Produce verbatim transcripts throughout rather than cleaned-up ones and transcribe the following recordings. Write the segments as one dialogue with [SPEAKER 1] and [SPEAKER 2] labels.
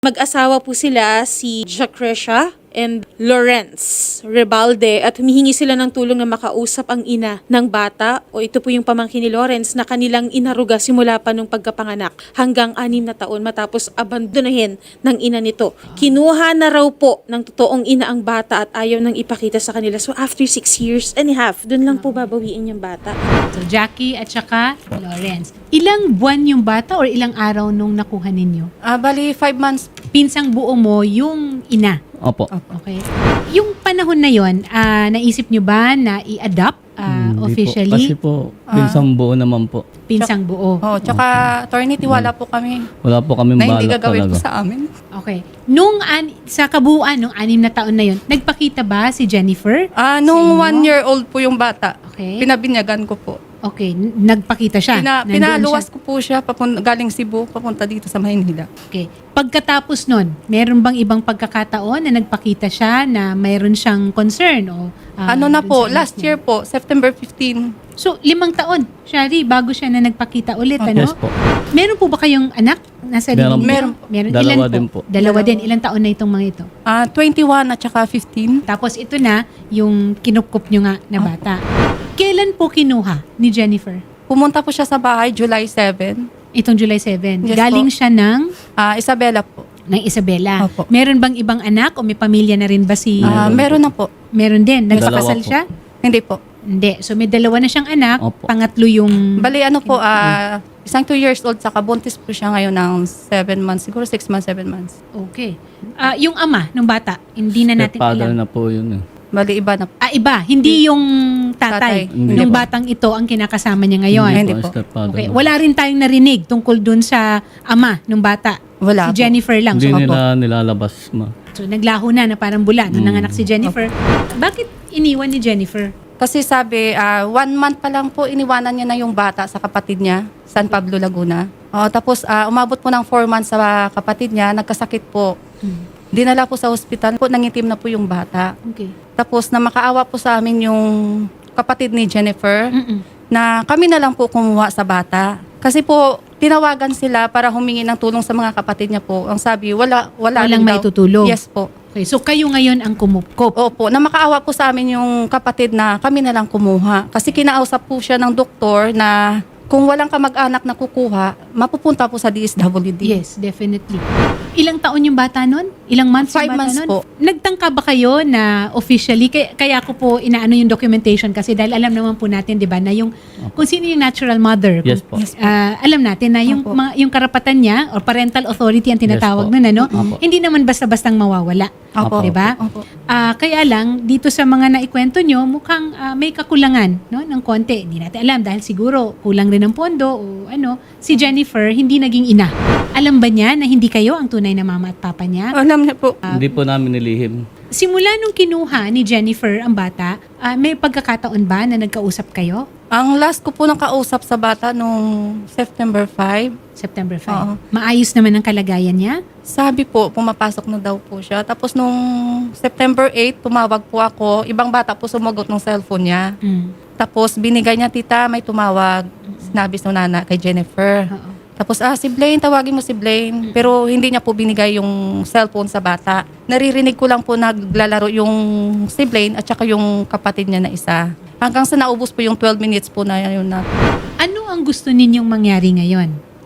[SPEAKER 1] Mag-asawa po sila si Jacrecia and Lawrence Rebalde at humihingi sila ng tulong na makausap ang ina ng bata o ito po yung pamangkin ni Lawrence na kanilang inaruga simula pa nung pagkapanganak hanggang anim na taon matapos abandonahin ng ina nito. Kinuha na raw po ng totoong ina ang bata at ayaw nang ipakita sa kanila. So after six years and a half, dun lang po babawiin yung bata.
[SPEAKER 2] So Jackie at saka Lawrence. Ilang buwan yung bata or ilang araw nung nakuha ninyo?
[SPEAKER 3] Ah, bali, five months.
[SPEAKER 2] Pinsang buo mo yung ina.
[SPEAKER 4] Opo.
[SPEAKER 2] Okay. Yung panahon na yon, ah, naisip nyo ba na i-adopt ah,
[SPEAKER 4] Hindi
[SPEAKER 2] officially?
[SPEAKER 4] Po. Kasi po, pinsang buo naman po.
[SPEAKER 2] Pinsang buo.
[SPEAKER 3] Oh, tsaka, attorney, tiwala po kami
[SPEAKER 4] Wala po kami
[SPEAKER 3] na hindi
[SPEAKER 4] balak
[SPEAKER 3] gagawin po
[SPEAKER 4] talaga.
[SPEAKER 3] sa amin.
[SPEAKER 2] Okay. Nung an- sa kabuuan, nung anim na taon na yon, nagpakita ba si Jennifer?
[SPEAKER 3] Ah,
[SPEAKER 2] Sa
[SPEAKER 3] nung
[SPEAKER 2] inyo?
[SPEAKER 3] one year old po yung bata,
[SPEAKER 2] Okay.
[SPEAKER 3] pinabinyagan ko po.
[SPEAKER 2] Okay. n- Nagpakita siya?
[SPEAKER 3] Pina,
[SPEAKER 2] Nandun
[SPEAKER 3] pinaluwas
[SPEAKER 2] siya?
[SPEAKER 3] ko po siya papun- galing Cebu, papunta dito sa Maynila.
[SPEAKER 2] Okay. Pagkatapos nun, meron bang ibang pagkakataon na nagpakita siya na mayroon siyang concern? O, ah,
[SPEAKER 3] ano na
[SPEAKER 2] dun
[SPEAKER 3] po,
[SPEAKER 2] sa anak
[SPEAKER 3] last
[SPEAKER 2] niya?
[SPEAKER 3] year po, September fifteenth.
[SPEAKER 2] So, limang taon, Shari, bago siya na nagpakita ulit, ano?
[SPEAKER 4] Yes po.
[SPEAKER 2] Meron po ba kayong anak? Nasa
[SPEAKER 4] Meron
[SPEAKER 2] lilim-
[SPEAKER 3] po. Meron
[SPEAKER 2] po. Meron.
[SPEAKER 4] Dalawa
[SPEAKER 2] Ilan
[SPEAKER 4] din
[SPEAKER 2] po?
[SPEAKER 4] po.
[SPEAKER 2] Dalawa
[SPEAKER 3] Dalawa.
[SPEAKER 2] din. Ilang taon na itong mga ito?
[SPEAKER 3] Ah, twenty-one at saka fifteen.
[SPEAKER 2] Tapos ito na, yung kinupkup nyo nga na bata. Kailan po kinuha ni Jennifer?
[SPEAKER 3] Pumunta po siya sa bahay July seventh.
[SPEAKER 2] Itong July seventh.
[SPEAKER 3] Yes
[SPEAKER 2] Galing
[SPEAKER 3] po.
[SPEAKER 2] siya ng,
[SPEAKER 3] Ah, Isabela po.
[SPEAKER 2] ng Isabela.
[SPEAKER 3] Opo.
[SPEAKER 2] Meron bang ibang anak o may pamilya na rin ba si...
[SPEAKER 3] Ah, meron na po.
[SPEAKER 2] Meron din.
[SPEAKER 4] Dalawa
[SPEAKER 2] Nagpakasal
[SPEAKER 4] po.
[SPEAKER 2] siya?
[SPEAKER 3] Hindi po.
[SPEAKER 2] Hindi. So may dalawa na siyang anak.
[SPEAKER 4] Opo.
[SPEAKER 2] Pangatlo yung...
[SPEAKER 3] Bali, ano po, ah, isang two years old, saka buntis po siya ngayon ng seven months. Siguro six months, seven months.
[SPEAKER 2] Okay. Ah, yung ama ng bata, hindi na natin
[SPEAKER 4] Stepfather
[SPEAKER 2] alam.
[SPEAKER 4] na po yun eh.
[SPEAKER 3] Bali, iba na po.
[SPEAKER 2] Ah, iba. Hindi yung tatay.
[SPEAKER 3] Tatay.
[SPEAKER 4] Hindi
[SPEAKER 2] Yung
[SPEAKER 4] po.
[SPEAKER 2] batang ito ang kinakasama niya ngayon.
[SPEAKER 3] Hindi po.
[SPEAKER 4] Stepfather
[SPEAKER 2] Okay.
[SPEAKER 4] na.
[SPEAKER 2] Wala rin tayong narinig tungkol dun sa ama ng bata.
[SPEAKER 3] Wala
[SPEAKER 2] Si
[SPEAKER 3] po.
[SPEAKER 2] Jennifer lang.
[SPEAKER 4] Hindi
[SPEAKER 2] So,
[SPEAKER 4] nila nilalabas ma.
[SPEAKER 2] so naglaho na na parang bula nung
[SPEAKER 4] Mm.
[SPEAKER 2] nanganak si Jennifer. Bakit iniwan ni Jennifer?
[SPEAKER 3] Kasi sabi, ah, one month pa lang po, iniwanan niya na yung bata sa kapatid niya, San Pablo, Laguna. Oh, tapos, ah, umabot po ng four months sa kapatid niya, nagkasakit po.
[SPEAKER 2] Hmm.
[SPEAKER 3] Dinala po sa ospital po, nangitim na po yung bata.
[SPEAKER 2] Okay.
[SPEAKER 3] Tapos, na makaawa po sa amin yung kapatid ni Jennifer,
[SPEAKER 2] Mm-mm.
[SPEAKER 3] na kami na lang po kumuha sa bata. Kasi po, tinawagan sila para humingi ng tulong sa mga kapatid niya po. Ang sabi, wala, wala
[SPEAKER 2] Walang
[SPEAKER 3] rin daw.
[SPEAKER 2] maitutulong.
[SPEAKER 3] Yes po.
[SPEAKER 2] Okay. So kayo ngayon ang kumupkop.
[SPEAKER 3] Opo, na makaawa po sa amin yung kapatid na kami na lang kumuha. Kasi kinausap po siya ng doktor na kung walang kamag-anak na kukuha, mapupunta po sa D S W D.
[SPEAKER 2] Yes, definitely. Ilang taon yung bata nun? Ilang months
[SPEAKER 3] Five
[SPEAKER 2] yung bata
[SPEAKER 3] months
[SPEAKER 2] nun?
[SPEAKER 3] po.
[SPEAKER 2] Nagtangka ba kayo na officially, kaya, kaya ko po inaano yung documentation kasi dahil alam naman po natin, di ba, na yung, kung sino yung natural mother.
[SPEAKER 4] Yes
[SPEAKER 2] kung,
[SPEAKER 4] po.
[SPEAKER 3] Yes po.
[SPEAKER 2] ah, alam natin na yung,
[SPEAKER 3] Opo.
[SPEAKER 2] mga, yung karapatan niya or parental authority ang tinatawag
[SPEAKER 4] Yes po.
[SPEAKER 2] nun, ano?
[SPEAKER 4] Opo.
[SPEAKER 2] Hindi naman basta-bastang mawawala.
[SPEAKER 3] Opo.
[SPEAKER 2] Di ba?
[SPEAKER 3] Opo.
[SPEAKER 2] Ah, kaya lang, dito sa mga naikwento nyo, mukhang ah, may kakulangan no, ng konti. Hindi natin alam dahil siguro kulang rin ng pondo o ano. Si Jennifer, hindi naging ina. Alam ba niya na hindi kayo ang tunay na mama at papa niya?
[SPEAKER 3] Alam niya po.
[SPEAKER 4] Hindi po namin nilihim.
[SPEAKER 2] Simula nung kinuha ni Jennifer ang bata, ah, may pagkakataon ba na nagkausap kayo?
[SPEAKER 3] Ang last ko po nakausap sa bata nung September fifth,
[SPEAKER 2] September fifth.
[SPEAKER 3] Oo.
[SPEAKER 2] Maayos naman ang kalagayan niya?
[SPEAKER 3] sabi po, pumapasok na daw po siya. Tapos nung September eighth, tumawag po ako. Ibang bata po sumagot ng cellphone niya.
[SPEAKER 2] Mm.
[SPEAKER 3] Tapos binigay niya, tita, may tumawag. Sinabi sa nana kay Jennifer.
[SPEAKER 2] Oo.
[SPEAKER 3] Tapos, ah, si Blaine, tawagin mo si Blaine. Pero hindi niya po binigay yung cellphone sa bata. Naririnig ko lang po naglalaro yung si Blaine at saka yung kapatid niya na isa. Hanggang sa naubos po yung twelve minutes po na yun na.
[SPEAKER 2] Ano ang gusto ninyong mangyari ngayon?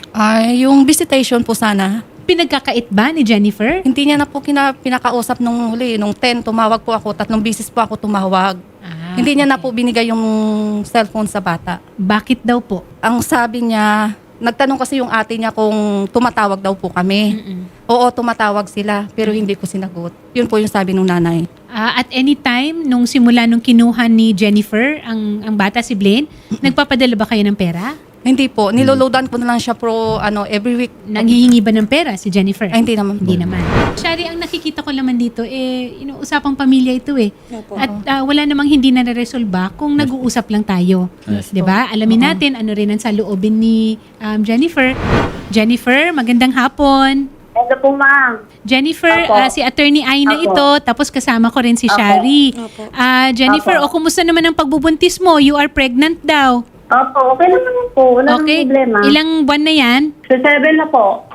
[SPEAKER 3] Ay, yung visitation po sana.
[SPEAKER 2] Pinagkakait ba ni Jennifer?
[SPEAKER 3] Hindi niya na po kina, pinakausap nung huli. Nung ten, tumawag po ako. Tatlong bisis po ako tumawag.
[SPEAKER 2] Ah,
[SPEAKER 3] hindi niya na
[SPEAKER 2] okay.
[SPEAKER 3] po binigay yung cellphone sa bata.
[SPEAKER 2] Bakit daw po?
[SPEAKER 3] Ang sabi niya, nagtanong kasi yung ate niya kung tumatawag daw po kami.
[SPEAKER 2] Mm-mm.
[SPEAKER 3] Oo, tumatawag sila, pero hindi ko sinagot. Yun po yung sabi nung nanay.
[SPEAKER 2] Ah, at any time, nung simula nung kinuha ni Jennifer, ang, ang bata si Blaine, nagpapadala ba kayo ng pera?
[SPEAKER 3] Hindi po, niloloadan ko na lang siya pro, ano, every week.
[SPEAKER 2] Nanghihingi ba ng pera si Jennifer?
[SPEAKER 3] Ay, hindi naman po.
[SPEAKER 2] Hindi naman. Shari, ang nakikita ko naman dito, eh, you know, usapang pamilya ito eh.
[SPEAKER 1] Opo.
[SPEAKER 2] At ah, wala namang hindi na-resolba kung nag-uusap lang tayo.
[SPEAKER 4] Yes.
[SPEAKER 2] 'Di ba? Alamin natin ano rin ang saloobin ni um, Jennifer. Jennifer, magandang hapon.
[SPEAKER 5] Hello po, ma'am.
[SPEAKER 2] Jennifer,
[SPEAKER 5] Opo.
[SPEAKER 2] ah, si Attorney Aina
[SPEAKER 5] Opo.
[SPEAKER 2] ito, tapos kasama ko rin si
[SPEAKER 5] Opo.
[SPEAKER 2] Shari.
[SPEAKER 1] Opo.
[SPEAKER 2] Ah, Jennifer, o
[SPEAKER 5] Opo.
[SPEAKER 2] kumusta naman ang pagbubuntis mo? You are pregnant daw.
[SPEAKER 5] Opo, okay naman po. Wala
[SPEAKER 2] Okay.
[SPEAKER 5] namang problema.
[SPEAKER 2] Ilang buwan na yan?
[SPEAKER 5] So, seven na po.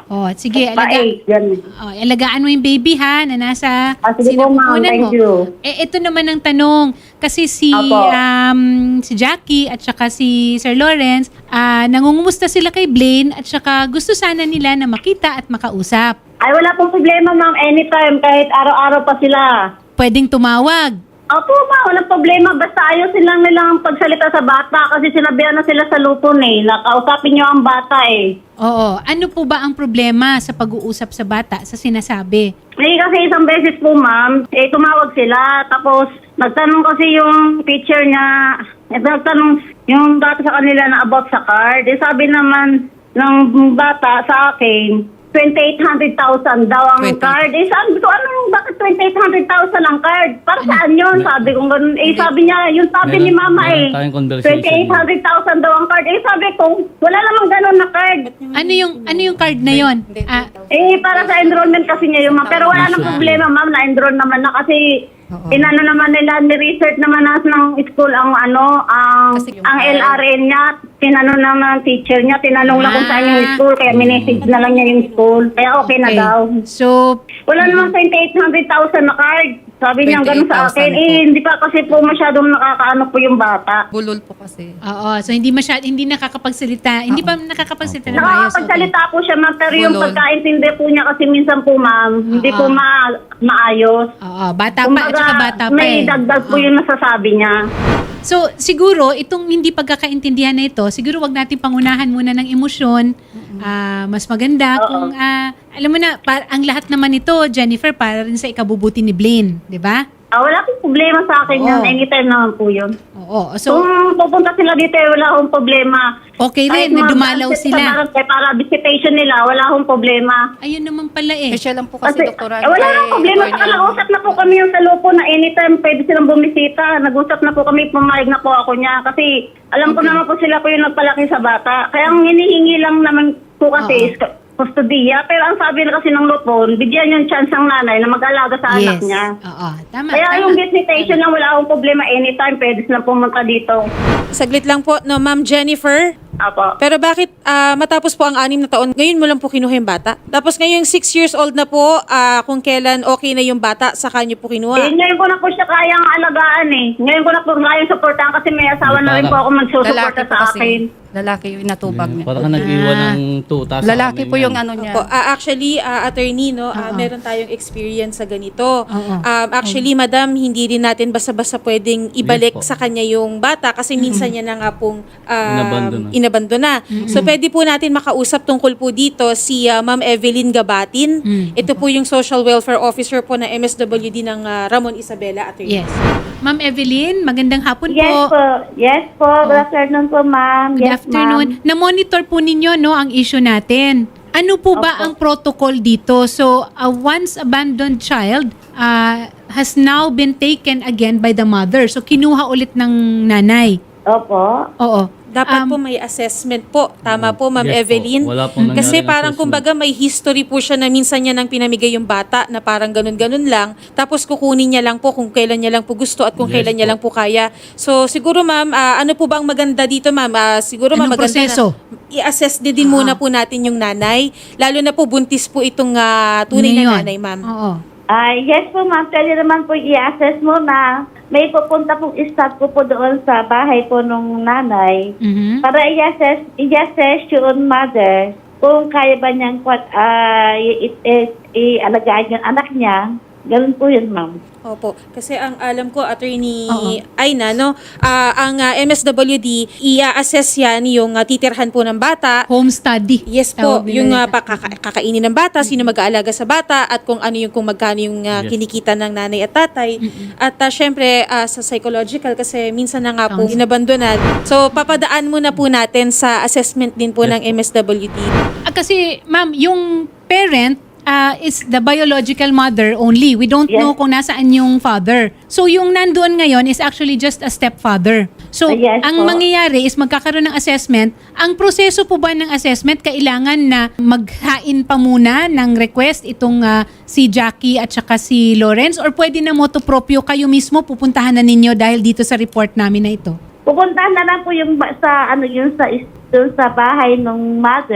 [SPEAKER 2] Oh, sige,
[SPEAKER 5] Pa
[SPEAKER 2] alaga,
[SPEAKER 5] eight, ganun.
[SPEAKER 2] oh, alagaan mo yung baby ha na nasa
[SPEAKER 5] Ah, sige po, ma'am.
[SPEAKER 2] sinapupunan
[SPEAKER 5] Thank
[SPEAKER 2] mo.
[SPEAKER 5] you.
[SPEAKER 2] Eh, ito naman ang tanong. Kasi si,
[SPEAKER 5] Apo.
[SPEAKER 2] um, si Jackie at saka si Sir Lawrence, ah, nangungumusta sila kay Blaine at saka gusto sana nila na makita at makausap.
[SPEAKER 5] Ay, wala pong problema, ma'am. Anytime, kahit araw-araw pa sila.
[SPEAKER 2] Pwedeng tumawag.
[SPEAKER 5] Opo, ma'am. Walang problema. Basta ayusin lang nilang pagsalita sa bata kasi sinabihan na sila sa lupon eh. Nakausapin niyo ang bata eh.
[SPEAKER 2] Oo. Ano po ba ang problema sa pag-uusap sa bata sa sinasabi?
[SPEAKER 5] Eh, kasi isang beses po, ma'am, eh, tumawag sila. Tapos, nagtanong kasi yung teacher niya, eh, nagtanong yung bata sa kanila na about sa card. Eh, sabi naman ng bata sa akin, twenty-eight hundred thousand daw ang
[SPEAKER 3] twenty.
[SPEAKER 5] card. Eh, sabi ko, ano, bakit twenty-eight hundred thousand ang card? Para saan yun? Sabi ko, ganun. Eh, sabi niya, yung sabi
[SPEAKER 4] Meron-
[SPEAKER 5] ni mama
[SPEAKER 4] meron
[SPEAKER 5] eh,
[SPEAKER 4] tayong conversation.
[SPEAKER 5] twenty-eight hundred thousand daw ang card. Eh, sabi ko, wala namang ganun na card.
[SPEAKER 2] Ano yung ano yung card na yon? Ah,
[SPEAKER 5] Eh, para sa enrollment kasi niya yung ma'am. Pero wala nang problema, ma'am. Na-enroll naman na kasi inano naman nila, ni-research naman na ng school ang ano, ang,
[SPEAKER 3] Kasi yung
[SPEAKER 5] ang
[SPEAKER 3] card.
[SPEAKER 5] L R N niya. Tinanong naman ng teacher niya. Tinanong lang kung saan yung
[SPEAKER 2] Ah.
[SPEAKER 5] school. Kaya minessage na lang niya yung school. Kaya okay, na daw.
[SPEAKER 2] So,
[SPEAKER 5] Wala namang twenty-eight hundred thousand na card. Sabi niya ganun sa akin.
[SPEAKER 3] twenty-eight thousand po.
[SPEAKER 5] Eh, hindi pa kasi po masyadong nakakaano po yung bata.
[SPEAKER 3] Bulol po kasi.
[SPEAKER 2] oo. So, hindi masyad, hindi nakakapagsalita. Hindi pa nakakapagsalita na maayos. Okay.
[SPEAKER 5] Nakakapagsalita po siya, ma'am. Pero yung
[SPEAKER 3] Bulol.
[SPEAKER 5] pagkaintindi po niya kasi minsan po, ma'am, hindi po ma maayos.
[SPEAKER 2] Oo. Bata pa at saka bata pa
[SPEAKER 5] may
[SPEAKER 2] eh.
[SPEAKER 5] dagdag po yung nasasabi niya.
[SPEAKER 2] So, siguro, itong hindi pagkakaintindihan na ito, siguro wag natin pangunahan muna ng emosyon. Ah, mas maganda kung, ah, alam mo na, pa- ang lahat naman ito, Jennifer, para rin sa ikabubuti ni Blaine. Di ba?
[SPEAKER 5] Ah, wala pong problema sa akin
[SPEAKER 2] Oo.
[SPEAKER 5] yan. Anytime naman po yun.
[SPEAKER 2] Oo. So,
[SPEAKER 5] Kung pupunta sila dito, eh, wala akong problema.
[SPEAKER 2] okay
[SPEAKER 5] Kahit
[SPEAKER 2] rin na
[SPEAKER 5] mga
[SPEAKER 2] dumalaw
[SPEAKER 5] transit
[SPEAKER 2] sila.
[SPEAKER 5] Sa barangay para visitation nila, wala akong problema.
[SPEAKER 2] Ayun naman pala eh.
[SPEAKER 3] Eh, siya lang po kasi,
[SPEAKER 5] Kasi,
[SPEAKER 3] doktora.
[SPEAKER 5] eh, wala
[SPEAKER 3] kay
[SPEAKER 5] nang problema.
[SPEAKER 3] Attorney
[SPEAKER 5] Saka
[SPEAKER 3] ang-
[SPEAKER 5] nag-usap na po kami yung sa lupo na anytime pwede silang bumisita. Nag-usap na po kami, pumayag na po ako niya. Kasi alam ko naman po sila po yung nagpalaki sa bata. Kaya ang hinihingi lang naman po kasi is kustodiya. Pero ang sabi na kasi ng lupon, bigyan yung chance ang nanay na mag-alaga sa anak niya.
[SPEAKER 2] Oo. Tama.
[SPEAKER 5] Kaya
[SPEAKER 2] tama.
[SPEAKER 5] yung visitation lang, wala akong problema. Anytime pwede silang pumunta dito.
[SPEAKER 1] Saglit lang po, no, Ma'am Jennifer.
[SPEAKER 5] Apo.
[SPEAKER 1] Pero bakit ah, matapos po ang anim na taon, ngayon mo lang po kinuha yung bata? Tapos ngayong six years old na po, ah, kung kailan okay na yung bata, saka niyo po
[SPEAKER 5] Eh,
[SPEAKER 1] kinuha.
[SPEAKER 5] ngayon ko na po siya kayang alagaan eh. Ngayon ko na po kayang supportahan kasi may asawa na rin po ako magsusuporta
[SPEAKER 3] Lalaki po
[SPEAKER 5] sa
[SPEAKER 3] kasi.
[SPEAKER 5] akin.
[SPEAKER 3] Lalaki yung inatubag niya.
[SPEAKER 4] Para ka nag-iwan ng tuta sa
[SPEAKER 3] Lalaki
[SPEAKER 4] amin
[SPEAKER 3] po
[SPEAKER 4] yan.
[SPEAKER 3] yung ano niya.
[SPEAKER 1] Opo, ah, actually, ah, attorney, no, ah, meron tayong experience sa ganito.
[SPEAKER 2] Oo.
[SPEAKER 1] Um, actually, madam, hindi rin natin basta-basta pwedeng ibalik
[SPEAKER 4] Yes po.
[SPEAKER 1] sa kanya yung bata kasi minsan niya na nga pong um,
[SPEAKER 4] Inabandona.
[SPEAKER 1] inabandona. So, pwede po natin makausap tungkol po dito si ah, Ma'am Evelyn Gabatin.
[SPEAKER 2] Mm.
[SPEAKER 1] Ito po yung Social Welfare Officer po ng M S W D ng ah, Ramon Isabela, attorney.
[SPEAKER 2] Yes. Ma'am Evelyn, magandang hapon
[SPEAKER 5] Yes
[SPEAKER 2] po.
[SPEAKER 5] po. Yes po. Good afternoon po, ma'am.
[SPEAKER 2] Good
[SPEAKER 5] Yes,
[SPEAKER 2] afternoon.
[SPEAKER 5] ma'am.
[SPEAKER 2] Na-monitor po ninyo no ang issue natin. Ano po ba ang protocol dito? So, a once abandoned child uh, has now been taken again by the mother. So, kinuha ulit ng nanay.
[SPEAKER 5] Opo.
[SPEAKER 2] Oo.
[SPEAKER 1] Dapat
[SPEAKER 2] Um,
[SPEAKER 1] po may assessment po. Tama po, Ma'am
[SPEAKER 4] Yes po.
[SPEAKER 1] Evelyn.
[SPEAKER 4] Wala pong
[SPEAKER 1] Kasi
[SPEAKER 4] nangyaring
[SPEAKER 1] parang
[SPEAKER 4] assessment.
[SPEAKER 1] kumbaga may history po siya na minsan niya nang pinamigay yung bata na parang ganun-ganun lang. Tapos kukunin niya lang po kung kailan niya lang po gusto at kung
[SPEAKER 4] Yes
[SPEAKER 1] kailan niya
[SPEAKER 4] po.
[SPEAKER 1] lang po kaya. So siguro ma'am, ah, ano po ba ang maganda dito ma'am? Ah, siguro ma'am,
[SPEAKER 2] Anong
[SPEAKER 1] maganda
[SPEAKER 2] proseso?
[SPEAKER 1] na i-assess din, din muna po natin yung nanay. Lalo na po buntis po itong ah, tunay
[SPEAKER 2] Ngayon.
[SPEAKER 1] na nanay ma'am.
[SPEAKER 2] Oo.
[SPEAKER 5] Ah, yes po, ma'am. Pwede naman po i-assess mo na may pupunta pong staff ko po doon sa bahay po nung nanay
[SPEAKER 2] Mhm.
[SPEAKER 5] para i-assess, i-assess yung mother kung kaya ba niyang kwat, ah, i- i- i- i-alagaan yung anak niya. Ganun po yun, ma'am.
[SPEAKER 1] Opo. Kasi ang alam ko, Attorney
[SPEAKER 2] Oo.
[SPEAKER 1] Aina, no, ah, ang ah, M S W D, i-assess yan yung ah, titirhan po ng bata.
[SPEAKER 2] Home study.
[SPEAKER 1] Yes po,
[SPEAKER 2] Tawag nila
[SPEAKER 1] yung uh,
[SPEAKER 2] dito.
[SPEAKER 1] pakaka- kakainin ng bata, sino mag-aalaga sa bata, at kung ano yung kung magkano yung uh,
[SPEAKER 4] Yes.
[SPEAKER 1] kinikita ng nanay at tatay. At uh, syempre, uh, sa psychological, kasi minsan na nga po
[SPEAKER 2] Counseling.
[SPEAKER 1] inabandonan. So, papadaan muna po natin sa assessment din po
[SPEAKER 4] Yes
[SPEAKER 1] ng M S W D.
[SPEAKER 2] Ah, kasi, ma'am, yung parent ah, is the biological mother only. We don't
[SPEAKER 5] Yes.
[SPEAKER 2] know kung nasaan yung father. So, yung nandoon ngayon is actually just a stepfather. So,
[SPEAKER 5] Ah, yes
[SPEAKER 2] ang
[SPEAKER 5] po.
[SPEAKER 2] mangyayari is magkakaroon ng assessment. Ang proseso po ba ng assessment, kailangan na maghain pa muna ng request itong ah, si Jackie at saka si Lawrence? Or pwede na motopropyo kayo mismo pupuntahan na ninyo dahil dito sa report namin na ito?
[SPEAKER 5] Pupuntahan na lang po yung ba- sa ano yun sa is- dun sa bahay ng mother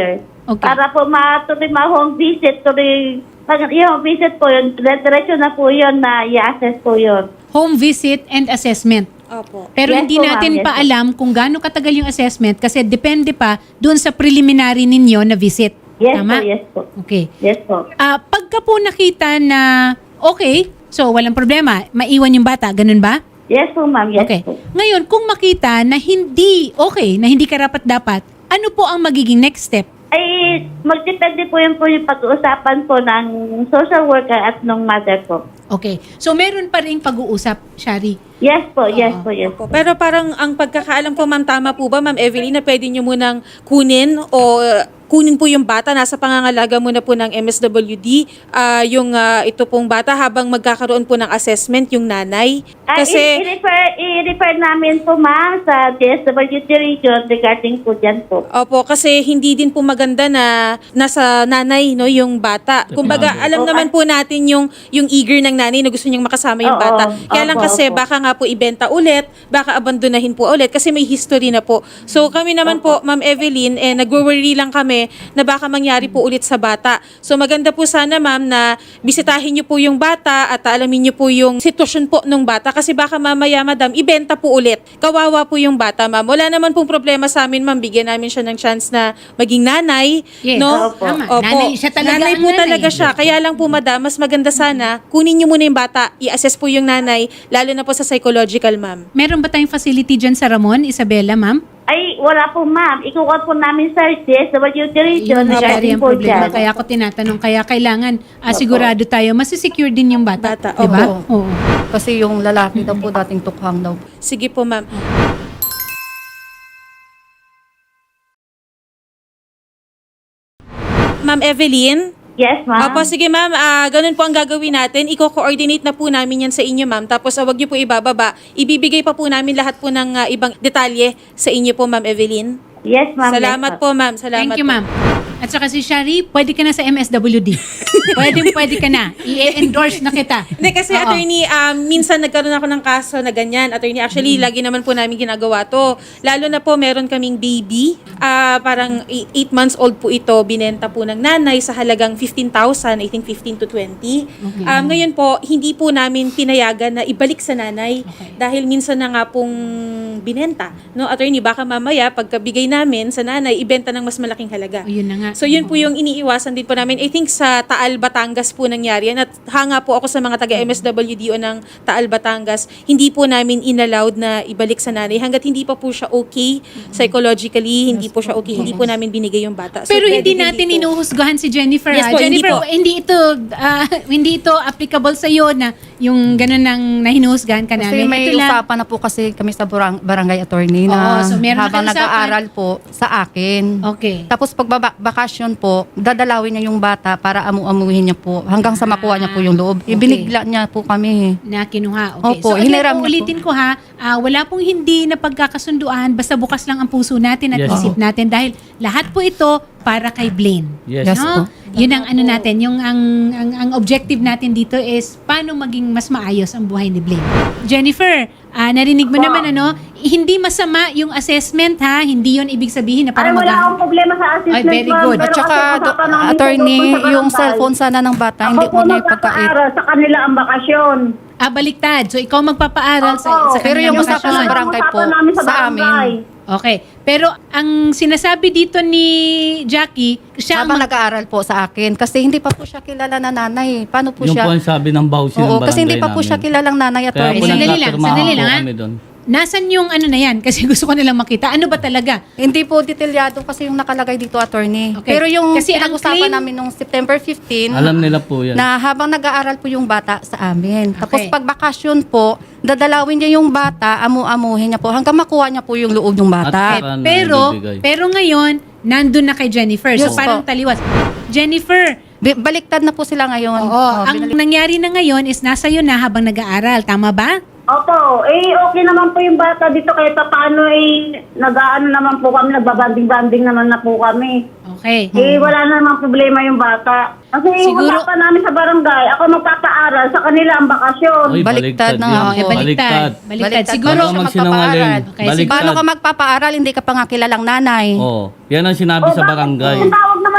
[SPEAKER 2] Okay.
[SPEAKER 6] Para po matuloy ma-home visit, tuloy, pag yung home visit po yun, diretso na po yun na i-assess po yun.
[SPEAKER 2] Home visit and assessment.
[SPEAKER 1] Opo.
[SPEAKER 2] Pero
[SPEAKER 6] Yes
[SPEAKER 2] hindi
[SPEAKER 6] po, ma'am.
[SPEAKER 2] natin
[SPEAKER 6] Yes
[SPEAKER 2] pa
[SPEAKER 6] po.
[SPEAKER 2] alam kung gaano katagal yung assessment kasi depende pa doon sa preliminary ninyo na visit.
[SPEAKER 6] Yes
[SPEAKER 2] Tama?
[SPEAKER 6] po, yes po.
[SPEAKER 2] Okay.
[SPEAKER 6] Yes po.
[SPEAKER 2] Ah, pagka po nakita na okay, so walang problema, maiwan yung bata, ganun ba?
[SPEAKER 6] Yes po, ma'am. Yes
[SPEAKER 2] Okay.
[SPEAKER 6] po.
[SPEAKER 2] Ngayon, kung makita na hindi okay, na hindi karapat-dapat, ano po ang magiging next step?
[SPEAKER 6] Ay, magdepende po yun po yung pag-uusapan po ng social worker at ng mother po.
[SPEAKER 2] Okay. So, meron pa rin pag-uusap, Shari.
[SPEAKER 6] Yes po, yes
[SPEAKER 2] Oo.
[SPEAKER 6] po, yes
[SPEAKER 1] Opo. Pero parang ang pagkakaalam ko, ma'am, tama po ba, ma'am Evelyn, na pwede nyo munang kunin o uh, kunin po yung bata, nasa pangangalaga muna po ng M S W D, ah, yung ah, ito pong bata habang magkakaroon po ng assessment yung nanay.
[SPEAKER 6] Ay,
[SPEAKER 1] Kasi,
[SPEAKER 6] i- i-refer, i-refer namin po, ma'am, sa D S W D region regarding po dyan po.
[SPEAKER 1] opo, kasi hindi din po maganda na nasa nanay, no, yung bata. Kumbaga, alam
[SPEAKER 6] Oo.
[SPEAKER 1] naman po natin yung yung eager ng nanay na gusto niyang makasama yung
[SPEAKER 6] Oo.
[SPEAKER 1] bata. Kaya lang
[SPEAKER 6] Opo,
[SPEAKER 1] kasi
[SPEAKER 6] opo.
[SPEAKER 1] baka nga po ibenta ulit, baka abandonahin po ulit kasi may history na po. So kami naman po, Ma'am Evelyn, eh, nag-worry lang kami na baka mangyari po ulit sa bata. So maganda po sana, ma'am, na bisitahin niyo po yung bata at alamin niyo po yung sitwasyon po ng bata kasi baka mamaya, madam, ibenta po ulit. Kawawa po yung bata, ma'am. Wala naman pong problema sa amin, ma'am. Bigyan namin siya ng chance na maging nanay.
[SPEAKER 2] Yes,
[SPEAKER 1] no?
[SPEAKER 6] opo.
[SPEAKER 2] Tama. Nanay siya talaga
[SPEAKER 1] Nanay
[SPEAKER 2] ang
[SPEAKER 1] po
[SPEAKER 2] nanay.
[SPEAKER 1] talaga siya. Kaya lang po, madam, mas maganda sana, kunin niyo muna yung bata, i-assess po yung nanay, lalo na po sa psychological, ma'am.
[SPEAKER 2] Meron ba tayong facility dyan sa Ramon, Isabela, ma'am?
[SPEAKER 6] Ay, wala po, ma'am. Ikukuha po namin sa D S W D region
[SPEAKER 2] Yun, Shari,
[SPEAKER 6] regarding
[SPEAKER 2] ang
[SPEAKER 6] po
[SPEAKER 2] problema.
[SPEAKER 6] dyan.
[SPEAKER 2] Kaya ako tinatanong, kaya kailangan ah, sigurado tayo, masisecure din yung bata.
[SPEAKER 1] Bata,
[SPEAKER 2] Diba?
[SPEAKER 3] opo.
[SPEAKER 2] Oo.
[SPEAKER 3] Kasi yung lalaki daw po dating tukhang daw.
[SPEAKER 1] Sige po, ma'am. Ma'am Evelyn?
[SPEAKER 6] Yes, ma'am.
[SPEAKER 1] Opo, sige ma'am, ah, ganun po ang gagawin natin. Iko-coordinate na po namin yan sa inyo, ma'am. Tapos ah, wag niyo po ibababa. Ibibigay pa po namin lahat po ng ah, ibang detalye sa inyo po, ma'am Evelyn.
[SPEAKER 6] Yes, ma'am.
[SPEAKER 1] Salamat
[SPEAKER 6] yes,
[SPEAKER 1] po, ma'am. Salamat
[SPEAKER 2] Thank you,
[SPEAKER 1] po.
[SPEAKER 2] ma'am. At saka si Shari, pwede ka na sa M S W D. pwede, pwede ka na. I-endorse na kita.
[SPEAKER 1] Hindi kasi,
[SPEAKER 2] Oo.
[SPEAKER 1] attorney, um, minsan nagkaroon ako ng kaso na ganyan. Attorney, actually, lagi naman po namin ginagawa to. Lalo na po, meron kaming baby. Ah, parang eight months old po ito. Binenta po ng nanay sa halagang fifteen thousand, I think fifteen to twenty.
[SPEAKER 2] Okay.
[SPEAKER 1] Um, ngayon po, hindi po namin pinayagan na ibalik sa nanay.
[SPEAKER 2] Okay.
[SPEAKER 1] Dahil minsan na nga pong binenta. No, attorney, baka mamaya, pagkabigay namin sa nanay, ibenta ng mas malaking halaga.
[SPEAKER 2] O, yun na nga.
[SPEAKER 1] So yun po yung iniiwasan din po namin. I think sa Taal, Batangas po nangyari yan. At hanga po ako sa mga taga-M S W D o ng Taal, Batangas. Hindi po namin inallowed na ibalik sa nanay. Hanggat hindi pa po siya okay psychologically, hindi po siya okay, hindi po namin binigay yung bata. So,
[SPEAKER 2] Pero
[SPEAKER 1] pwede
[SPEAKER 2] hindi natin
[SPEAKER 1] po.
[SPEAKER 2] inuhusgahan si Jennifer.
[SPEAKER 1] Yes
[SPEAKER 2] ah.
[SPEAKER 1] po, hindi
[SPEAKER 2] Jennifer,
[SPEAKER 1] po.
[SPEAKER 2] hindi ito ah, hindi ito applicable sa iyo na yung ganun nang nahinuhusgahan ka
[SPEAKER 3] Kasi
[SPEAKER 2] namin.
[SPEAKER 3] may
[SPEAKER 2] Ito lang,
[SPEAKER 3] usapan na po kasi kami sa barang- barangay attorney
[SPEAKER 2] Oo,
[SPEAKER 3] na
[SPEAKER 2] so meron na
[SPEAKER 3] habang
[SPEAKER 2] kayong usapan.
[SPEAKER 3] nag-aaral po sa akin.
[SPEAKER 2] Okay.
[SPEAKER 3] Tapos pag baba- bakasyon po, dadalawin niya yung bata para amu-amuhin niya po hanggang sa makuha niya po yung loob.
[SPEAKER 2] Okay.
[SPEAKER 3] Ibinigla niya po kami.
[SPEAKER 2] Na kinuha. Okay.
[SPEAKER 3] Opo,
[SPEAKER 2] so, again,
[SPEAKER 3] hiniram
[SPEAKER 2] po,
[SPEAKER 3] niya po.
[SPEAKER 2] ulitin ko ha, ah, wala pong hindi na pagkakasunduan, basta bukas lang ang puso natin at
[SPEAKER 4] Yes.
[SPEAKER 2] isip natin dahil lahat po ito para kay Blaine.
[SPEAKER 4] Yes.
[SPEAKER 3] Yes
[SPEAKER 2] No?
[SPEAKER 3] po.
[SPEAKER 2] Yun ang ano natin, yung ang, ang ang objective natin dito is paano maging mas maayos ang buhay ni Blaine. Jennifer, ah, narinig mo naman ano, hindi masama yung assessment ha, hindi yun ibig sabihin na
[SPEAKER 6] Ay,
[SPEAKER 2] parang
[SPEAKER 6] wala
[SPEAKER 2] mag-
[SPEAKER 6] akong problema sa assessment,
[SPEAKER 2] Ay, very
[SPEAKER 6] ma'am.
[SPEAKER 2] good.
[SPEAKER 6] Pero
[SPEAKER 3] At saka,
[SPEAKER 6] kasi
[SPEAKER 3] do-
[SPEAKER 6] usapan namin
[SPEAKER 3] attorney,
[SPEAKER 6] tungkol sa
[SPEAKER 3] yung
[SPEAKER 6] barangay.
[SPEAKER 3] cellphone sana ng bata, hindi
[SPEAKER 6] Ako
[SPEAKER 3] mo
[SPEAKER 6] po
[SPEAKER 3] niya ipagkait.
[SPEAKER 6] magpapaaral sa kanila ang bakasyon.
[SPEAKER 2] Ah, baliktad. So, ikaw magpapaaral sa,
[SPEAKER 6] Opo.
[SPEAKER 2] sa
[SPEAKER 3] Pero yung
[SPEAKER 2] kanilang
[SPEAKER 3] usapan
[SPEAKER 2] bakasyon.
[SPEAKER 3] sa barangay po,
[SPEAKER 6] Usapan namin sa
[SPEAKER 3] sa
[SPEAKER 6] barangay.
[SPEAKER 3] amin.
[SPEAKER 2] Okay. Pero ang sinasabi dito ni Jackie, siya ang
[SPEAKER 3] Habang
[SPEAKER 2] mag-
[SPEAKER 3] nag-aaral po sa akin. Kasi hindi pa po siya kilala na nanay. Paano po
[SPEAKER 4] Yung
[SPEAKER 3] siya?
[SPEAKER 4] po ang sabi ng bawsi ng
[SPEAKER 3] Oo,
[SPEAKER 4] barangay
[SPEAKER 3] kasi hindi pa po
[SPEAKER 4] namin.
[SPEAKER 3] siya kilalang nanay
[SPEAKER 4] Kaya
[SPEAKER 3] attorney.
[SPEAKER 4] po
[SPEAKER 2] Sandali lang,
[SPEAKER 4] nagtatrabaho
[SPEAKER 2] sandali
[SPEAKER 4] po
[SPEAKER 2] lang, ha?
[SPEAKER 4] kami doon.
[SPEAKER 2] Nasaan yung ano na yan? Kasi gusto ko nilang makita. Ano ba talaga?
[SPEAKER 3] Hindi po detalyado kasi yung nakalagay dito, attorney.
[SPEAKER 2] Okay.
[SPEAKER 3] Pero yung
[SPEAKER 2] Kasi ang
[SPEAKER 3] pinag-usapan
[SPEAKER 2] claim-
[SPEAKER 3] namin nung September fifteenth,
[SPEAKER 4] Alam nila po yan.
[SPEAKER 3] na habang nag-aaral po yung bata sa amin. Tapos
[SPEAKER 2] Okay.
[SPEAKER 3] pag bakasyon po, dadalawin niya yung bata, amu-amuhin niya po, hanggang makuha niya po yung loob ng bata.
[SPEAKER 4] At saka na
[SPEAKER 2] Pero,
[SPEAKER 4] ibibigay.
[SPEAKER 2] pero ngayon, nandun na kay Jennifer. So
[SPEAKER 3] Yes
[SPEAKER 2] parang
[SPEAKER 3] po.
[SPEAKER 2] taliwas. Jennifer,
[SPEAKER 3] Bi- Baliktad na po sila ngayon.
[SPEAKER 2] oo,
[SPEAKER 3] Oh,
[SPEAKER 2] ang
[SPEAKER 3] binalik-
[SPEAKER 2] nangyari na ngayon is nasa iyo na habang nag-aaral. Tama ba?
[SPEAKER 6] Opo, eh okay naman po yung bata dito kahit pa paano eh nag-aano naman po kami, nagbabanding-banding naman na po kami.
[SPEAKER 2] Okay.
[SPEAKER 6] Eh wala na namang problema yung bata. Kasi yung
[SPEAKER 2] Siguro-
[SPEAKER 6] usapan namin sa barangay, ako magpapaaral sa kanila ang bakasyon.
[SPEAKER 4] Ay,
[SPEAKER 3] Baliktad na
[SPEAKER 4] yan.
[SPEAKER 3] nga
[SPEAKER 2] Oo,
[SPEAKER 3] po.
[SPEAKER 2] eh, baliktad. Baliktad.
[SPEAKER 3] Baliktad.
[SPEAKER 2] Siguro,
[SPEAKER 4] Paano
[SPEAKER 3] siya
[SPEAKER 4] magsinungaling?
[SPEAKER 3] magpapaaral.
[SPEAKER 2] Okay,
[SPEAKER 4] Baliktad.
[SPEAKER 3] Paano ka magpapaaral, hindi ka pa nga kilalang nanay.
[SPEAKER 4] Oo. Yan ang sinabi
[SPEAKER 6] O,
[SPEAKER 4] sa
[SPEAKER 6] bakit
[SPEAKER 4] barangay.
[SPEAKER 6] Ang tawag naman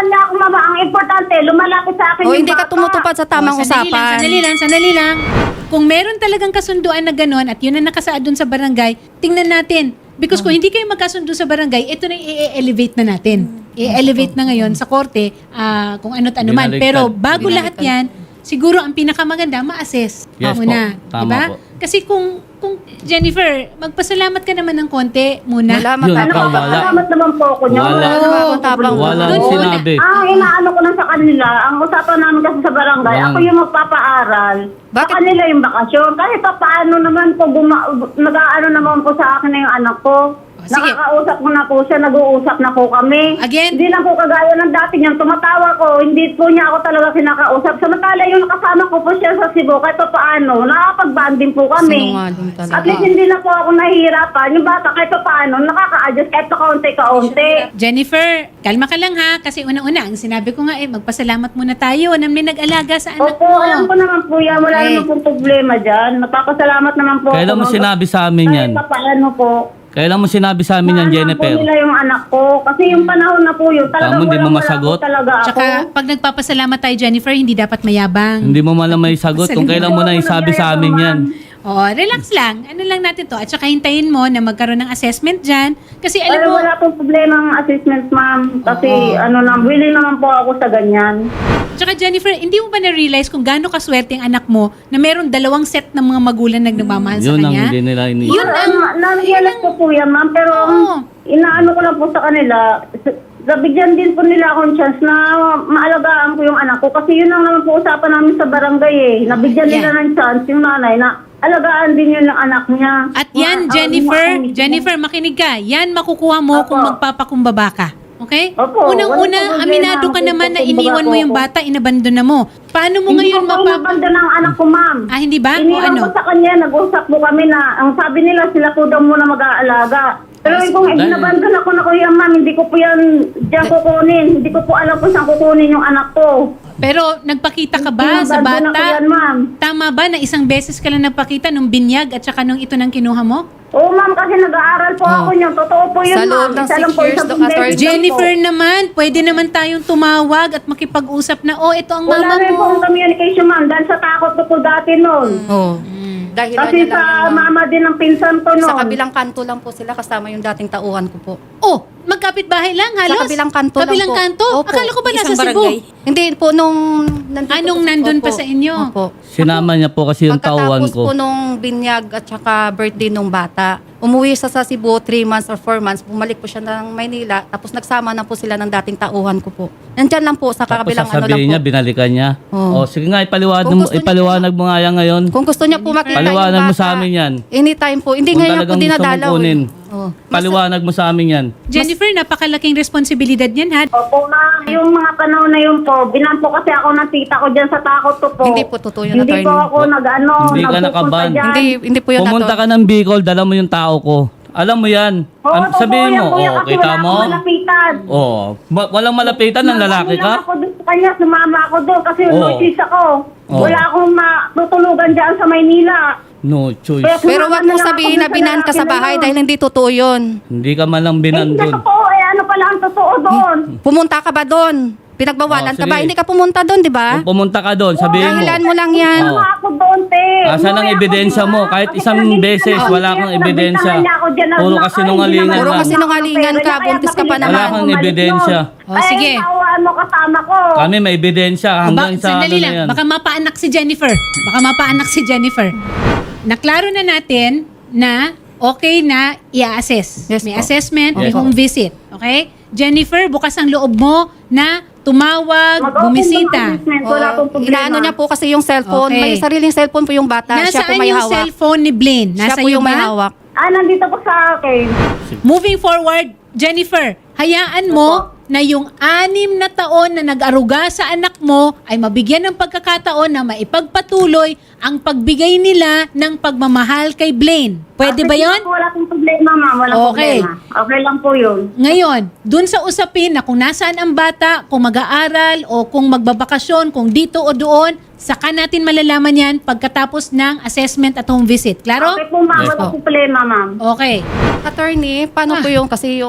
[SPEAKER 6] mama, ang importante, lumalapit sa akin
[SPEAKER 3] O
[SPEAKER 6] yung
[SPEAKER 3] hindi ka
[SPEAKER 6] bata.
[SPEAKER 3] tumutupad sa tamang
[SPEAKER 2] Oh, sandali lang,
[SPEAKER 3] usapan.
[SPEAKER 2] sandali lang, sandali lang. Kung meron talagang kasunduan na gano'n at yun ang nakasaad dun sa barangay, tingnan natin. Because kung hindi kayo magkasundo sa barangay, ito na i-elevate na natin. I-elevate na ngayon sa korte ah, kung ano't ano man.
[SPEAKER 4] Binaligtad.
[SPEAKER 2] Pero bago lahat
[SPEAKER 3] Binaligtad.
[SPEAKER 2] yan, siguro ang pinakamaganda, ma-assess
[SPEAKER 4] Yes
[SPEAKER 2] muna.
[SPEAKER 4] po. Tama
[SPEAKER 2] Diba?
[SPEAKER 4] po.
[SPEAKER 2] Kasi kung, kung Jennifer, magpasalamat ka naman ng konti muna.
[SPEAKER 3] Salamat
[SPEAKER 4] Yun,
[SPEAKER 3] ka
[SPEAKER 6] Ano,
[SPEAKER 4] ikaw
[SPEAKER 3] naman.
[SPEAKER 4] wala.
[SPEAKER 6] salamat naman po ako niya.
[SPEAKER 4] Wala.
[SPEAKER 6] naman
[SPEAKER 3] Oo,
[SPEAKER 6] ako
[SPEAKER 3] tabang.
[SPEAKER 6] problema.
[SPEAKER 4] Walang
[SPEAKER 2] Doon
[SPEAKER 4] sinabi.
[SPEAKER 6] Ang inaano ko lang sa kanila, ang usapan namin kasi sa barangay,
[SPEAKER 4] Walang-
[SPEAKER 6] ako yung magpapaaral. Sa
[SPEAKER 3] Bakit?
[SPEAKER 6] kanila yung bakasyon. Kahit pa paano naman po, guma- nag-aano naman po sa akin na yung anak ko.
[SPEAKER 2] sige.
[SPEAKER 6] Nakakausap ko na po siya, nag-uusap na po kami.
[SPEAKER 2] Again?
[SPEAKER 6] Hindi lang po kagaya ng dati niyang tumatawa ko, hindi po niya ako talaga kinakausap. Samantala yung nakasama ko po siya sa Cebu, kahit pa paano, nakakapag-banding po kami.
[SPEAKER 3] Sinungaling talaga.
[SPEAKER 6] At least hindi na po ako nahihirapan. Yung bata kahit pa paano, nakaka-adjust kahit pa kaunti-kaunti.
[SPEAKER 2] Jennifer, kalma ka lang ha. Kasi unang-una, ang sinabi ko nga eh, magpasalamat muna tayo na may nag-alaga sa anak
[SPEAKER 6] Opo,
[SPEAKER 2] mo.
[SPEAKER 6] alam ko naman po yan. Wala
[SPEAKER 2] Okay.
[SPEAKER 6] naman pong problema dyan. Napapasalamat naman po
[SPEAKER 4] Kailan
[SPEAKER 6] ako,
[SPEAKER 4] mo
[SPEAKER 6] ma'am.
[SPEAKER 4] sinabi sa amin yan?
[SPEAKER 6] Kahit pa paano po.
[SPEAKER 4] Kailan mo sinabi sa amin yan,
[SPEAKER 6] Mahal
[SPEAKER 4] Jennifer?
[SPEAKER 6] po nila yung anak ko. Kasi yung panahon na po yun, talagang
[SPEAKER 4] Tama, hindi mo
[SPEAKER 6] walang-wala
[SPEAKER 4] masagot?
[SPEAKER 6] po talaga ako.
[SPEAKER 2] Tsaka, pag nagpapasalamat tayo, Jennifer, hindi dapat mayabang.
[SPEAKER 4] Hindi mo malang may sagot kung kailan mo na isabi sa amin yan.
[SPEAKER 2] Oo, relax lang. Ano lang natin to. At saka hintayin mo na magkaroon ng assessment dyan. Kasi alam
[SPEAKER 6] Alam
[SPEAKER 2] mo,
[SPEAKER 6] wala pong problema ang assessment, ma'am. Kasi ano na, willing naman po ako sa ganyan.
[SPEAKER 2] tsaka Jennifer, hindi mo ba na-realize kung gaano kaswerte ang anak mo na meron dalawang set ng mga magulang na nagmamahal sa
[SPEAKER 4] Yun ang
[SPEAKER 2] kanya?
[SPEAKER 4] hindi nila ini.
[SPEAKER 2] Yun ang-
[SPEAKER 6] Naniyalas ko po yan, ma'am. Pero ang
[SPEAKER 2] Oo.
[SPEAKER 6] inaano ko lang po sa kanila, s- nabigyan din po nila akong chance na maalagaan ko yung anak ko. Kasi yun ang naman po usapan namin sa barangay eh. Nabigyan nila
[SPEAKER 2] Yeah.
[SPEAKER 6] ng chance yung nanay na alagaan din yun ng anak niya.
[SPEAKER 2] At yan,
[SPEAKER 6] Ma-
[SPEAKER 2] Jennifer,
[SPEAKER 6] ah, ma-
[SPEAKER 2] Jennifer, makinig ka. Yan makukuha mo
[SPEAKER 6] Opo.
[SPEAKER 2] kung magpapakumbaba ka. Okay?
[SPEAKER 6] Opo,
[SPEAKER 2] Unang-una,
[SPEAKER 6] walang problema.
[SPEAKER 2] aminado ka naman na
[SPEAKER 6] Magpapakumbaba
[SPEAKER 2] iniwan mo
[SPEAKER 6] po
[SPEAKER 2] yung
[SPEAKER 6] ako.
[SPEAKER 2] bata, inabandon na mo. Paano mo
[SPEAKER 6] Hindi
[SPEAKER 2] ngayon
[SPEAKER 6] ko po
[SPEAKER 2] mapapa...
[SPEAKER 6] inabanda ng anak ko, ma'am.
[SPEAKER 2] Ah, hindi ba? O
[SPEAKER 6] Iniwan
[SPEAKER 2] ano?
[SPEAKER 6] ko sa kanya, nag-usap po kami na, ang sabi nila, sila po daw muna mag-aalaga. Pero kung
[SPEAKER 4] Dahil-
[SPEAKER 6] inabandon ako na ko yan, ma'am, hindi ko po yan diyan kukunin. Hindi ko po alam kung saan kukunin yung anak ko.
[SPEAKER 2] Pero nagpakita ka ba sa
[SPEAKER 6] Inabandon ako
[SPEAKER 2] bata?
[SPEAKER 6] yan, ma'am.
[SPEAKER 2] Tama ba na isang beses ka lang nagpakita nung binyag at saka nung ito nang kinuha mo?
[SPEAKER 6] Oo, ma'am, kasi nag-aaral po ako niyan. Totoo po yun,
[SPEAKER 3] Sa
[SPEAKER 6] ma'am.
[SPEAKER 3] loob ng
[SPEAKER 6] Isa
[SPEAKER 3] six
[SPEAKER 6] lang po,
[SPEAKER 3] years,
[SPEAKER 6] isang
[SPEAKER 3] Doc
[SPEAKER 6] beses
[SPEAKER 3] Attorney.
[SPEAKER 6] lang
[SPEAKER 2] Jennifer
[SPEAKER 6] po.
[SPEAKER 2] naman, pwede naman tayong tumawag at makipag-usap na, oh, ito ang
[SPEAKER 6] Wala
[SPEAKER 2] mama
[SPEAKER 6] rin po
[SPEAKER 2] mo.
[SPEAKER 6] ang communication, ma'am. Dahil sa takot ko po dati noon.
[SPEAKER 3] Oo. Dahil
[SPEAKER 6] Kasi
[SPEAKER 3] niya lang
[SPEAKER 6] sa
[SPEAKER 3] yan, ma'am.
[SPEAKER 6] mama din ng pinsan ko noon.
[SPEAKER 3] Sa kabilang kanto lang po sila kasama yung dating tauhan ko po.
[SPEAKER 2] Oh, magkapit-bahay lang halos?
[SPEAKER 3] Sa kabilang kanto
[SPEAKER 2] Kabilang
[SPEAKER 3] lang po.
[SPEAKER 2] kanto?
[SPEAKER 3] Opo.
[SPEAKER 2] Akala ko ba nasa
[SPEAKER 1] Isang
[SPEAKER 2] Cebu?
[SPEAKER 1] barangay.
[SPEAKER 3] Hindi po nung nandito
[SPEAKER 2] Anong
[SPEAKER 3] po-
[SPEAKER 2] nandun pa
[SPEAKER 3] Opo.
[SPEAKER 2] sa inyo?
[SPEAKER 3] Opo.
[SPEAKER 4] Sinama niya po kasi yung tauhan
[SPEAKER 3] Pagkatapos po
[SPEAKER 4] ko.
[SPEAKER 3] nung binyag at saka birthday nung bata, umuwi siya sa Cebu three months or four months, bumalik po siya ng Maynila, tapos nagsama na po sila ng dating tauhan ko po. Nandyan lang po sa
[SPEAKER 4] Tapos
[SPEAKER 3] kabilang ano lang
[SPEAKER 4] sasabihin
[SPEAKER 3] po.
[SPEAKER 4] niya, binalikan niya.
[SPEAKER 3] Oo.
[SPEAKER 4] O sige nga, ipaliwanag
[SPEAKER 3] Kung
[SPEAKER 4] mo,
[SPEAKER 3] gusto niya-
[SPEAKER 4] ipaliwanag mo nga yan ngayon.
[SPEAKER 3] Kung gusto niya po makita
[SPEAKER 4] Paliwanag
[SPEAKER 3] yung
[SPEAKER 4] mo
[SPEAKER 3] bata,
[SPEAKER 4] sa amin yan.
[SPEAKER 3] anytime po. Hindi
[SPEAKER 4] Kung
[SPEAKER 3] ngayon po
[SPEAKER 4] talagang gusto mong
[SPEAKER 3] dinadalaw.
[SPEAKER 4] kunin.
[SPEAKER 3] Eh. Oh.
[SPEAKER 4] Paliwanag mo sa amin yan.
[SPEAKER 2] Jennifer, napakalaking responsibilidad yan, ha?
[SPEAKER 6] Opo, ma'am. Yung mga panahon na yun po, binampo kasi ako ng tita ko dyan sa takot ko po.
[SPEAKER 3] Hindi po totoo yun,
[SPEAKER 6] Hindi
[SPEAKER 3] attorney.
[SPEAKER 6] po ako nag-ano,
[SPEAKER 4] Hindi ka
[SPEAKER 6] nagpupunta
[SPEAKER 4] nakaban.
[SPEAKER 6] dyan.
[SPEAKER 3] Hindi, hindi po yun
[SPEAKER 4] Pumunta
[SPEAKER 3] ato.
[SPEAKER 4] ka ng Bicol, dala mo yung tao ko. Alam mo yan.
[SPEAKER 6] Oo,
[SPEAKER 4] An-
[SPEAKER 6] totoo
[SPEAKER 4] sabihin
[SPEAKER 6] yan,
[SPEAKER 4] mo,
[SPEAKER 6] kuya,
[SPEAKER 4] oh,
[SPEAKER 6] kasi
[SPEAKER 4] kita
[SPEAKER 6] wala
[SPEAKER 4] mo?
[SPEAKER 6] akong malapitan.
[SPEAKER 4] Oh, ma- walang malapitan ng lalaki
[SPEAKER 6] Sumama
[SPEAKER 4] ka?
[SPEAKER 6] ako doon sa kanya, sumama ako doon kasi
[SPEAKER 4] Oo.
[SPEAKER 6] notice ako.
[SPEAKER 4] Oo.
[SPEAKER 6] Wala akong matutulugan dyan sa Maynila.
[SPEAKER 4] No choice.
[SPEAKER 6] Kaya
[SPEAKER 3] Pero
[SPEAKER 6] sumama
[SPEAKER 3] wag
[SPEAKER 6] na
[SPEAKER 3] mong
[SPEAKER 6] lang
[SPEAKER 3] sabihin
[SPEAKER 6] ako
[SPEAKER 3] na
[SPEAKER 6] doon sa
[SPEAKER 3] binan ka
[SPEAKER 6] lalaki
[SPEAKER 3] sa
[SPEAKER 6] na
[SPEAKER 3] bahay
[SPEAKER 6] yun.
[SPEAKER 3] dahil hindi totoo yun.
[SPEAKER 4] Hindi ka man lang
[SPEAKER 6] Eh, hindi
[SPEAKER 4] binandun.
[SPEAKER 6] totoo. Eh, ano pala ang totoo doon?
[SPEAKER 3] Pumunta ka ba doon? Pinagbawalan
[SPEAKER 4] Oh,
[SPEAKER 3] ka ba?
[SPEAKER 4] sige.
[SPEAKER 3] Hindi ka pumunta doon, di ba?
[SPEAKER 4] Kung pumunta ka doon, sabihin mo.
[SPEAKER 3] Dahilan mo lang yan.
[SPEAKER 4] Oo.
[SPEAKER 6] Sumama ako doon, te.
[SPEAKER 4] Asan ang
[SPEAKER 6] Umuwi ako
[SPEAKER 4] ebidensya
[SPEAKER 6] doon,
[SPEAKER 4] mo?
[SPEAKER 6] ha?
[SPEAKER 4] Kahit
[SPEAKER 6] Kasi
[SPEAKER 4] isang
[SPEAKER 6] talagang
[SPEAKER 4] beses,
[SPEAKER 6] hindi
[SPEAKER 4] wala
[SPEAKER 6] naman-
[SPEAKER 4] kang
[SPEAKER 6] kaya
[SPEAKER 4] ebidensya.
[SPEAKER 6] nabintangan niya ako dyan na-
[SPEAKER 4] Puro
[SPEAKER 6] na-
[SPEAKER 4] kasinungalingan
[SPEAKER 6] ay,
[SPEAKER 3] Puro
[SPEAKER 6] hindi naman
[SPEAKER 3] kasinungalingan
[SPEAKER 6] ako
[SPEAKER 3] ka,
[SPEAKER 6] pera niya,
[SPEAKER 3] buntis ka pa
[SPEAKER 6] kaya
[SPEAKER 3] naman.
[SPEAKER 6] napilitan
[SPEAKER 4] Wala kang
[SPEAKER 6] akong
[SPEAKER 4] ebidensya.
[SPEAKER 6] bumalik
[SPEAKER 2] Oh,
[SPEAKER 6] doon.
[SPEAKER 2] sige.
[SPEAKER 6] Ay, tawaan mo kasama ko.
[SPEAKER 4] Kami may ebidensya
[SPEAKER 2] Ba,
[SPEAKER 4] hanggang sa ano
[SPEAKER 2] sandali
[SPEAKER 4] na
[SPEAKER 2] lang,
[SPEAKER 4] yan.
[SPEAKER 2] baka mapaanak si Jennifer. Baka mapaanak si Jennifer. Naklaro na natin na okay na i-assess.
[SPEAKER 3] Yes
[SPEAKER 2] may
[SPEAKER 3] po.
[SPEAKER 2] assessment, may
[SPEAKER 4] Yes.
[SPEAKER 2] home visit. Okay? Jennifer, bukas ang loob mo na tumawag,
[SPEAKER 6] Mag-open
[SPEAKER 2] bumisita.
[SPEAKER 6] ng assessment, Wala
[SPEAKER 3] Oo.
[SPEAKER 6] pong problema.
[SPEAKER 3] Inaano niya po kasi yung cellphone.
[SPEAKER 2] Okay.
[SPEAKER 3] May sariling cellphone po yung bata. Siya po
[SPEAKER 2] Nasaan
[SPEAKER 3] may
[SPEAKER 2] yung
[SPEAKER 3] hawak.
[SPEAKER 2] cellphone ni Blaine?
[SPEAKER 3] Siya
[SPEAKER 2] Nasa
[SPEAKER 3] po
[SPEAKER 2] iyo
[SPEAKER 3] yung may
[SPEAKER 2] ba?
[SPEAKER 3] hawak.
[SPEAKER 6] Ah, nandito po sa akin.
[SPEAKER 2] Moving forward, Jennifer, hayaan mo na yung anim na taon na nag-aruga sa anak mo ay mabigyan ng pagkakataon na maipagpatuloy ang pagbigay nila ng pagmamahal kay Blaine. Pwede
[SPEAKER 6] Ah,
[SPEAKER 2] ba
[SPEAKER 6] sige
[SPEAKER 2] yon?
[SPEAKER 6] po, Wala pong problema, ma'am. Walang
[SPEAKER 2] Okay.
[SPEAKER 6] problema. Okay lang po yun.
[SPEAKER 2] Ngayon, dun sa usapin na kung nasaan ang bata, kung mag-aaral o kung magbabakasyon, kung dito o doon, saka natin malalaman yan pagkatapos ng assessment at home visit. Klaro?
[SPEAKER 6] Okay po, ma'am.
[SPEAKER 4] Yes
[SPEAKER 6] Walang
[SPEAKER 3] po.
[SPEAKER 6] problema, ma'am.
[SPEAKER 2] Okay.
[SPEAKER 3] Attorney, paano
[SPEAKER 2] Ah.
[SPEAKER 3] po yung kasi yung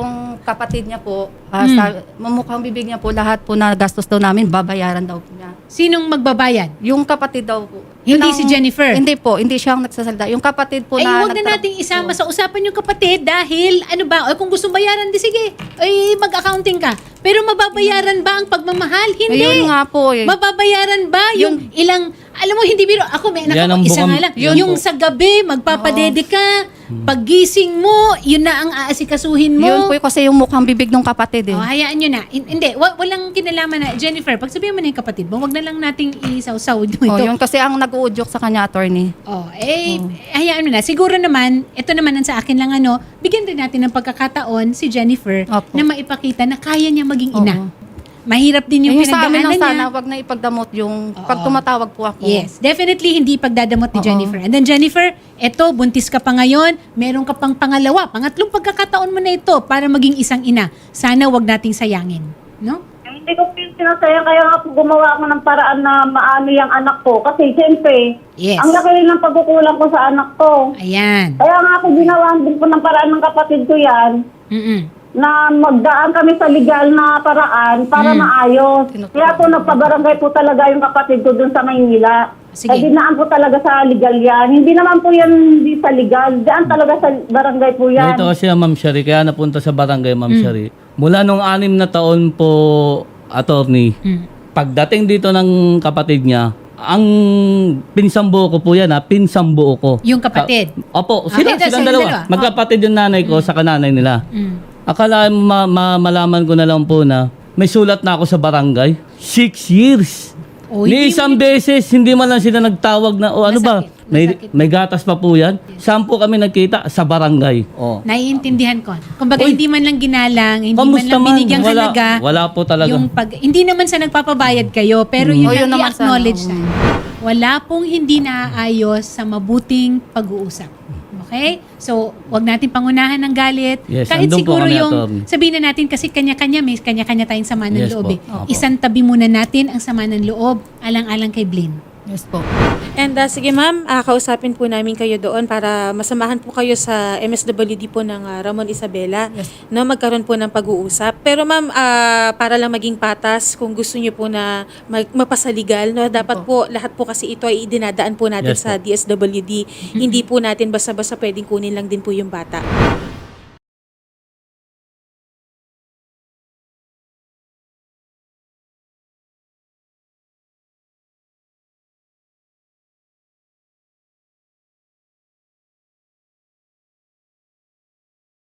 [SPEAKER 3] kapatid niya po, ah, sa mamukhang bibig niya po, lahat po na gastos daw namin, babayaran daw po niya.
[SPEAKER 2] Sinong magbabayad?
[SPEAKER 3] Yung kapatid daw po.
[SPEAKER 2] Hindi
[SPEAKER 3] Yun ang-
[SPEAKER 2] si Jennifer?
[SPEAKER 3] Hindi po, hindi siya ang nagsasalita. Yung kapatid po
[SPEAKER 2] Ay,
[SPEAKER 3] na...
[SPEAKER 2] huwag na
[SPEAKER 3] nagtra-
[SPEAKER 2] nating isama sa usapan yung kapatid dahil ano ba, ay kung gusto bayaran, di sige, ay mag-accounting ka. Pero mababayaran ba ang pagmamahal? Hindi.
[SPEAKER 3] Ayun nga po eh.
[SPEAKER 2] Mababayaran ba yung ilang, alam mo, hindi biro, ako may anak
[SPEAKER 4] Yan
[SPEAKER 2] ako,
[SPEAKER 4] ang
[SPEAKER 2] isa
[SPEAKER 4] bukang-
[SPEAKER 2] nga lang.
[SPEAKER 4] Yun
[SPEAKER 2] yung
[SPEAKER 4] po.
[SPEAKER 2] sa gabi, magpapadede ka, paggising mo, yun na ang aasikasuhin mo.
[SPEAKER 3] Yun po kasi yung mukhang bibig ng kapatid eh.
[SPEAKER 2] Oh, hayaan nyo na. Hin- Hindi, wa- walang kinalaman na. Jennifer, pag sabihin mo na yung kapatid mo, wag na lang nating isaw-saw ito.
[SPEAKER 3] Oh, yun kasi ang nag-uudyok sa kanya, attorney.
[SPEAKER 2] Oh, eh, hayaan mo na. Siguro naman, ito naman ang sa akin lang ano, bigyan rin natin ng pagkakataon si Jennifer
[SPEAKER 3] Opo.
[SPEAKER 2] na maipakita na kaya niya maging
[SPEAKER 3] Oo.
[SPEAKER 2] ina. Mahirap din yung
[SPEAKER 3] Yung sa amin
[SPEAKER 2] pinagdaanan
[SPEAKER 3] lang
[SPEAKER 2] niya.
[SPEAKER 3] sana, wag na ipagdamot yung
[SPEAKER 2] Oo.
[SPEAKER 3] pag tumatawag po ako.
[SPEAKER 2] Yes, definitely hindi pagdadamot ni
[SPEAKER 3] Oo.
[SPEAKER 2] Jennifer. And then Jennifer, eto, buntis ka pa ngayon, meron ka pang pangalawa, pangatlong pagkakataon mo na ito para maging isang ina. Sana wag nating sayangin. No?
[SPEAKER 6] Hindi ko po sinasayang, kaya nga po gumawa ako ng paraan na maano yung anak ko. Kasi siyempre,
[SPEAKER 2] Yes.
[SPEAKER 6] ang laki rin ng pagkukulang ko sa anak ko.
[SPEAKER 2] Ayan.
[SPEAKER 6] Kaya nga ako ginawa din po ng paraan ng kapatid ko yan,
[SPEAKER 2] Mm-mm.
[SPEAKER 6] na magdaan kami sa legal na paraan para
[SPEAKER 2] Hmm.
[SPEAKER 6] maayos.
[SPEAKER 3] Tinutulungan.
[SPEAKER 6] Kaya po nagpabarangay po talaga yung kapatid ko dun sa Maynila.
[SPEAKER 2] Sige.
[SPEAKER 6] Ay dinaan po talaga sa legal yan. Hindi naman po yan hindi sa legal. Daan talaga sa barangay po yan.
[SPEAKER 4] Ito kasi ang Ma'am Shari, kaya napunta sa barangay Ma'am
[SPEAKER 2] Mm.
[SPEAKER 4] Shari. Mula nung anim na taon po, attorney,
[SPEAKER 2] Mm.
[SPEAKER 4] pagdating dito ng kapatid niya, ang pinsambuo ko po yan ha, pinsambuo ko.
[SPEAKER 2] Yung kapatid?
[SPEAKER 4] Ka- Opo,
[SPEAKER 2] Ah,
[SPEAKER 4] sila,
[SPEAKER 2] ito,
[SPEAKER 4] silang
[SPEAKER 2] silang
[SPEAKER 4] dalawa.
[SPEAKER 2] dalawa.
[SPEAKER 4] Magkapatid yung nanay ko sa kananay nila.
[SPEAKER 2] Mm.
[SPEAKER 4] Akala mo ma- ma- malaman ko na lang po na may sulat na ako sa barangay. Six years.
[SPEAKER 2] Oh,
[SPEAKER 4] Ni
[SPEAKER 2] hindi
[SPEAKER 4] isang
[SPEAKER 2] mo-
[SPEAKER 4] beses, hindi man lang sila nagtawag na, o ano ba,
[SPEAKER 2] Masakit,
[SPEAKER 4] may,
[SPEAKER 2] masakit.
[SPEAKER 4] may gatas pa po yan. Saan po kami nagkita? Sa barangay. Oh.
[SPEAKER 2] Naiintindihan ko. Kumbaga,
[SPEAKER 4] Uy,
[SPEAKER 2] hindi man lang ginalang, hindi man
[SPEAKER 4] kamusta
[SPEAKER 2] lang
[SPEAKER 4] man?
[SPEAKER 2] binigyang
[SPEAKER 4] Wala-
[SPEAKER 2] halaga.
[SPEAKER 4] wala po talaga.
[SPEAKER 2] Yung pag, hindi naman sa nagpapabayad kayo, pero
[SPEAKER 4] Mm.
[SPEAKER 2] yung
[SPEAKER 3] Oh, yun naman
[SPEAKER 2] i-acknowledge
[SPEAKER 3] sana.
[SPEAKER 2] na. Wala pong hindi naaayos sa mabuting pag-uusap. Okay? So, wag natin pangunahan ng galit.
[SPEAKER 4] Yes,
[SPEAKER 2] Kahit
[SPEAKER 4] andun po
[SPEAKER 2] siguro
[SPEAKER 4] kami,
[SPEAKER 2] yung,
[SPEAKER 4] attorney.
[SPEAKER 2] sabihin na natin kasi kanya-kanya, may kanya-kanya tayong sama ng
[SPEAKER 4] Yes
[SPEAKER 2] loob.
[SPEAKER 4] po.
[SPEAKER 2] Eh.
[SPEAKER 4] Opo.
[SPEAKER 2] Isang tabi muna natin ang sama ng loob, alang-alang kay Blaine.
[SPEAKER 3] Yes po.
[SPEAKER 1] And uh, sige ma'am, ah, kausapin po namin kayo doon para masamahan po kayo sa M S W D po ng ah, Ramon Isabela
[SPEAKER 3] Yes.
[SPEAKER 1] na magkaroon po ng pag-uusap. Pero ma'am, ah, para lang maging patas, kung gusto niyo po na mag- mapasaligal, no, dapat po lahat po kasi ito ay idinadaan po natin
[SPEAKER 4] Yes
[SPEAKER 1] sa
[SPEAKER 4] po.
[SPEAKER 1] D S W D. Hindi po natin basta-basta pwedeng kunin lang din po yung bata.